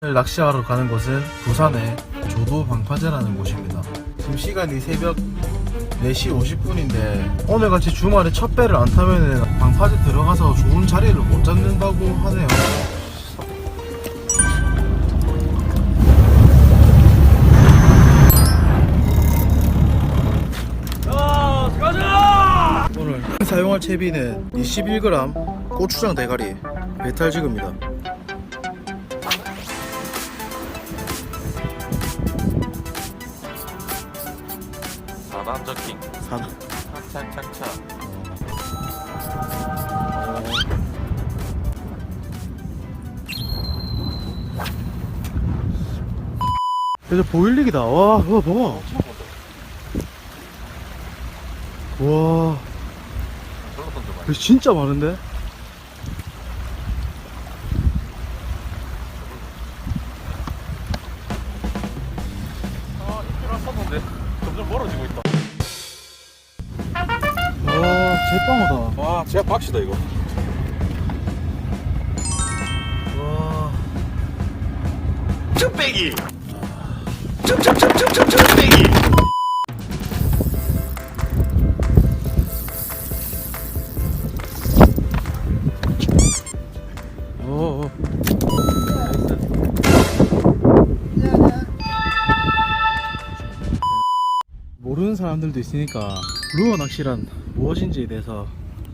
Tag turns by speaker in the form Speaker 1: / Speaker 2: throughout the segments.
Speaker 1: 낚시하러 가는 곳은 부산의 조도 방파제라는 곳입니다. 지금 시간이 새벽 4시 50분인데 오늘같이 주말에 첫 배를 안 타면 방파제 들어가서 좋은 자리를 못 잡는다고 하네요. 오늘 사용할 채비는 21g 고추장 대가리 메탈지그입니다.
Speaker 2: 4단 저킹
Speaker 1: 4단
Speaker 2: 착착착착.
Speaker 1: 이제 보일릭이다. 와, 그거 봐봐. 와, 이거 진짜 많은데?
Speaker 2: 아, 이끌어 썼는데 점점 멀어지고 있다.
Speaker 1: 와, 제빵어다.
Speaker 2: 와, 제가 박시다 이거.
Speaker 1: 와,
Speaker 2: 쭈빼기. 쭈빼기.
Speaker 1: 오, 모르는 사람들도 있으니까 루어 낚시란 무엇인지에 대해서.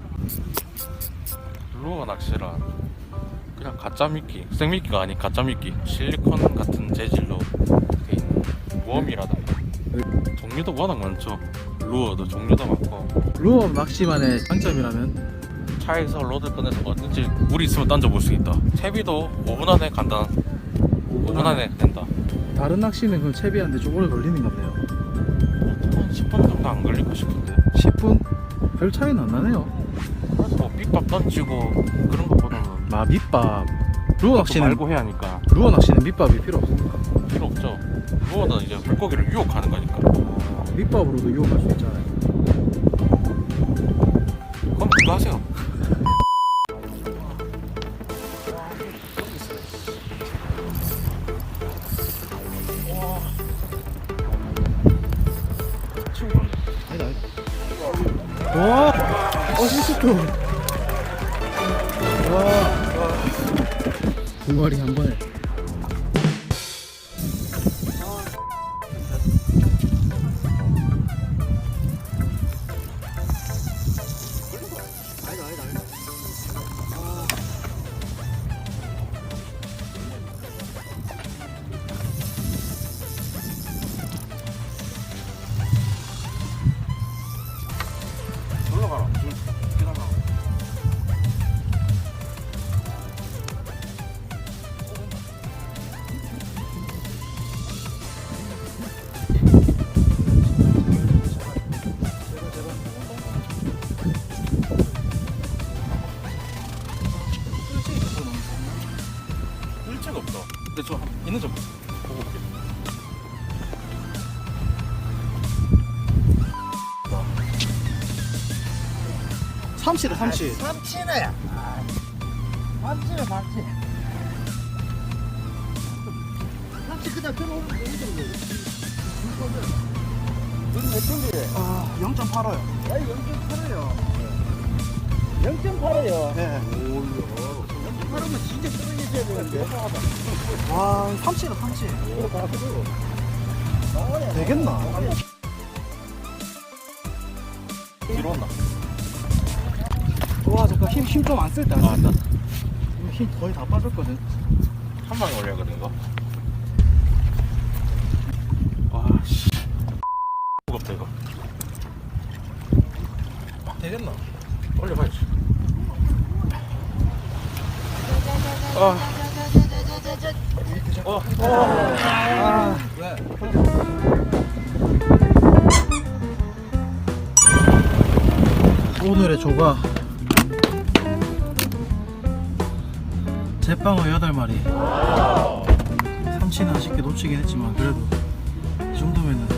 Speaker 2: 루어 낚시란 그냥 가짜 미끼, 생미끼가 아닌 가짜 미끼, 실리콘 같은 재질로 돼 있는 웜이라던가 종류도 워낙 많죠. 루어도 종류도 많고
Speaker 1: 루어 낚시만의 장점이라면
Speaker 2: 차에서 로드 꺼내서 언제든지 물이 있으면 던져볼 수 있다. 채비도 5분 안에 간다. 5분 안에 된다.
Speaker 1: 다른 낚시는 그럼 채비하는데 좀 오래 걸리는 건데요.
Speaker 2: 한 10분 정도 안 걸릴까 싶은데.
Speaker 1: 10분? 별 차이는 안 나네요.
Speaker 2: 그래서 뭐 빅밥 던지고 그런 것보다는
Speaker 1: 마, 밑밥. 루어 낚시는
Speaker 2: 말고 해야 하니까
Speaker 1: 루어 낚시는 밑밥이 필요 없습니다.
Speaker 2: 필요 없죠. 루어는 이제 물고기를 유혹하는 거니까.
Speaker 1: 밑밥으로도 유혹할 수 있잖아요.
Speaker 2: 그럼 그거 하세요.
Speaker 1: 아니다, 아니다. 와, 실수도. 와, 두 마리 한 번에.
Speaker 2: 올라가라. 기다려. 일체가 없다. 근데 저 있는 점 보고 올게.
Speaker 1: 삼치다, 삼치.
Speaker 3: 삼치네. 삼치네, 삼치. 삼치 그냥 들어오면 되는 여기 몇 점이래?
Speaker 1: 아, 0.8호요.
Speaker 3: 야, 0.8이요. 0.8이요.
Speaker 1: 네.
Speaker 3: 0.8이면 진짜 떨어지셔야 되는데.
Speaker 1: 와, 삼치다, 삼치. 되겠나?
Speaker 2: 뒤로 온나?
Speaker 1: 와, 잠깐 힘 좀 안 쓸 때.
Speaker 2: 아, 나
Speaker 1: 힘 거의 다 빠졌거든.
Speaker 2: 한 방에 올려야거든 이거. 와 씨. 무겁다 이거.
Speaker 1: 되겠나?
Speaker 2: 올려봐야지. 아.
Speaker 1: 아, 오늘의 조가 제빵어 8마리. 삼치는 아쉽게 놓치긴 했지만 그래도 이 정도면은